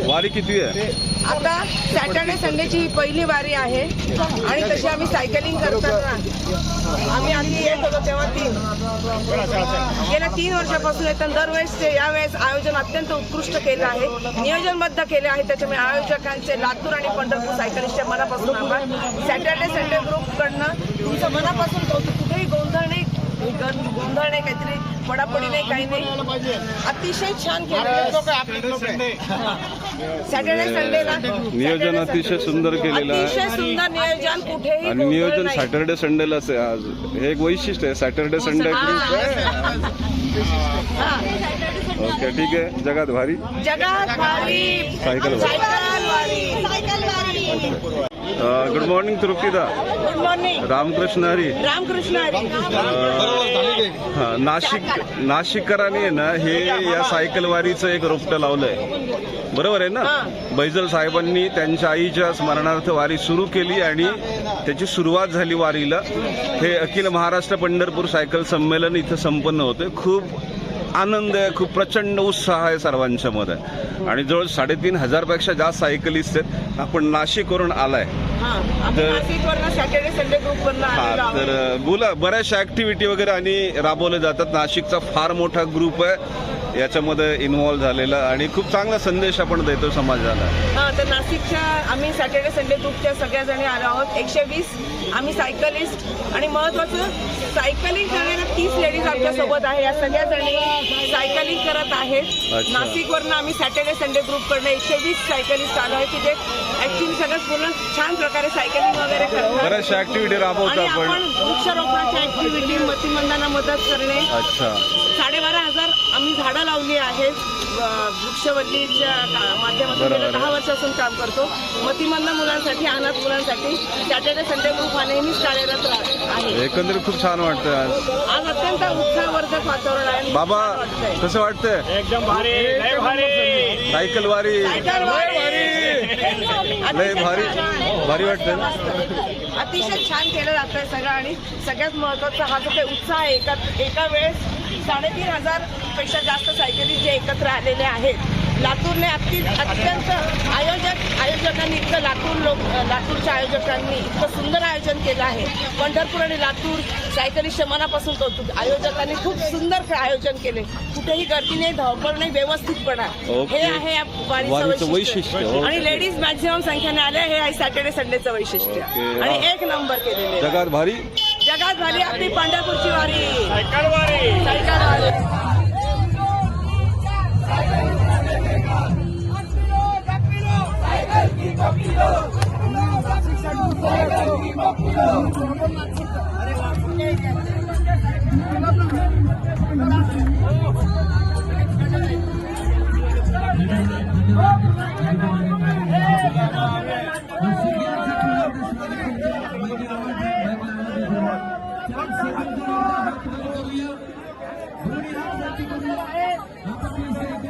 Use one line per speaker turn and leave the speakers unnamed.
वारी किती आहे?
आता सॅटर्डे संडेची पहिली वारी आहे आणि तशी आम्ही सायकलिंग करताना आम्ही आधी येत होतो तेव्हा गेल्या 3 वर्षापासून येतात. दरवेळेस यावेळेस आयोजन अत्यंत उत्कृष्ट केलं आहे, नियोजनबद्ध केले आहे. त्याच्यामुळे आयोजकांचे लातूर आणि पंढरपूर सायकलिस्टच्या मनापासून आभार. सॅटर्डे संडे ग्रुपकडनं तुमचं मनापासून कुठेही गोंधळ नाही, काहीतरी पडापडी नाही, काही नाही. अतिशय छान केलं सॅटर्डे संडेला.
नियोजन अतिशय सुंदर केलेलं आहे,
अतिशय सुंदर नियोजन, कुठेही
आणि नियोजन सॅटर्डे संडेलाच आहे. आज हे एक वैशिष्ट्य आहे सॅटर्डे संडे ग्रुप. ओके, ठीक आहे. जगात भारी सायकल वारी. गुड मॉर्निंग तृप्तीदा.
Good morning.
रामकृष्ण हरी.
रामकृष्ण हरी.
नाशिककरांनी आहे ना हे या सायकल वारीचं एक रोपटं लावलंय, बरोबर आहे ना? बैजल साहेबांनी त्यांच्या आईच्या स्मरणार्थ वारी सुरू केली आणि त्याची सुरुवात झाली वारीला. हे अखिल महाराष्ट्र पंढरपूर सायकल संमेलन इथं संपन्न होते. खूप आनंद आहे, खूप प्रचंड उत्साह आहे सर्वांच्या मध्ये आणि जवळ 3,500 पेक्षा जास्त सायकलिस्ट आहेत. आपण नाशिकवरून आलाय तर बोला, बऱ्याचशा ऍक्टिव्हिटी वगैरे आणि राबवल्या जातात. नाशिकचा फार मोठा ग्रुप आहे याच्यामध्ये इन्व्हॉल्व्ह झालेला आणि खूप चांगला संदेश आपण देतो समाजाला.
तर नाशिकच्या आम्ही सॅटर्डे संडे ग्रुपच्या सगळ्या जणी आलो आहोत. 120 आम्ही सायकलिस्ट आणि महत्वाचं सायकलिंग करणाऱ्या 30 लेडीज आमच्या सोबत आहे. या सगळ्या जणी सायकलिंग करत आहेत. नाशिकवरनं आम्ही सॅटर्डे संडे ग्रुपकडनं 120 सायकलिस्ट आलो आहे की जे ऍक्च्युली सगळं पूर्ण छान प्रकारे सायकलिंग वगैरे करतात.
बऱ्याचशा ऍक्टिव्हिटी राबवतो आपण.
वृक्षारोपणाच्या ऍक्टिव्हिटी, मतिमंदांना मदत करणे. 12,500 आम्ही झाडं लावली आहेत. वृक्षवल्लीच्या माध्यमातून गेल्या 10 वर्षापासून काम करतो. मतिमंद मुलांसाठी, अनाथ मुलांसाठी सॅटर्डे संडे ग्रुप हा नेहमीच कार्यरत आहे.
एकंदरीत खूप छान वाटतं
आज अत्यंत उत्साहवर्धक वातावरण आहे.
बाबा कसं वाटतंय?
एकदम भारी, लय भारी
सायकल वारी. लय भारी वाटतं.
अतिशय छान केलं जातंय सगळं आणि सगळ्यात महत्वाचा हा जो काही उत्साह आहे. एका वेळेस 3,500 पेक्षा जास्त सायकलिस्ट जे एकत्र आलेले आहेत. लातूरने अत्यंत आयोजकांनी इतकं लातूरच्या आयोजकांनी इतकं सुंदर आयोजन केलं आहे. पंढरपूर आणि लातूर सायकलिस्टच्या मनापासून कौतुक. आयोजकांनी खूप सुंदर आयोजन केले. कुठेही गर्दी नाही, धावपळ नाही, व्यवस्थितपणा. हे आहे या वारीचं वैशिष्ट्य. आणि लेडीज मॅक्झिमम संख्येने आल्या, हे आहे सॅटर्डे संडेचं वैशिष्ट्य आणि 1 नंबर केलेले.
जगात भारी आपली
पंढरपूरची वारी.
सायकल वारी.
दोन्ही